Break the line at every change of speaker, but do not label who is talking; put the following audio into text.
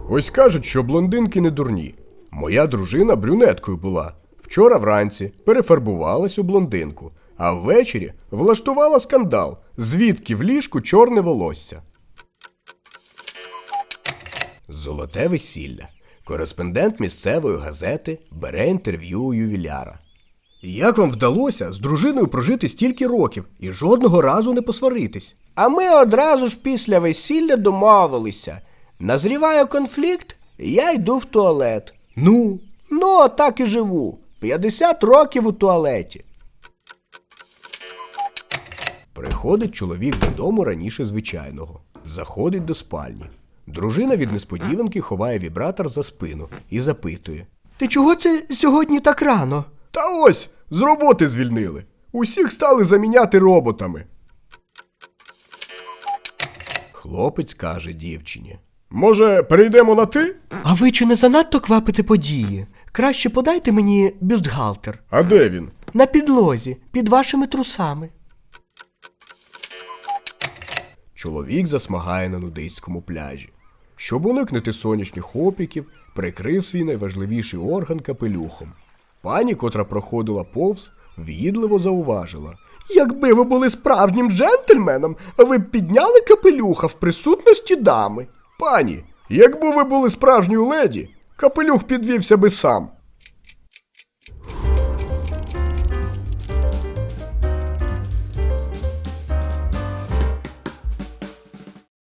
Ось кажуть, що блондинки не дурні. Моя дружина брюнеткою була. Вчора вранці перефарбувалась у блондинку, а ввечері влаштувала скандал, звідки в ліжку чорне волосся. Золоте весілля. Кореспондент місцевої газети бере інтерв'ю у ювіляра. Як вам вдалося з дружиною прожити стільки років і жодного разу не посваритись? А ми одразу ж після весілля домовилися. Назріває конфлікт, я йду в туалет. Ну, так і живу. 50 років у туалеті. Приходить чоловік додому раніше звичайного. Заходить до спальні. Дружина від несподіванки ховає вібратор за спину і запитує.
Ти чого це сьогодні так рано?
Та ось, з роботи звільнили. Усіх стали заміняти роботами. Хлопець каже дівчині. Може, перейдемо на ти?
А ви чи не занадто квапите події? Краще подайте мені бюстгальтер.
А де він?
На підлозі, під вашими трусами.
Чоловік засмагає на нудистському пляжі. Щоб уникнути сонячних опіків, прикрив свій найважливіший орган капелюхом. Пані, котра проходила повз, в'їдливо зауважила. Якби ви були справжнім джентльменом, ви б підняли капелюха в присутності дами. Пані, якби ви були справжньою леді, капелюх підвівся би сам.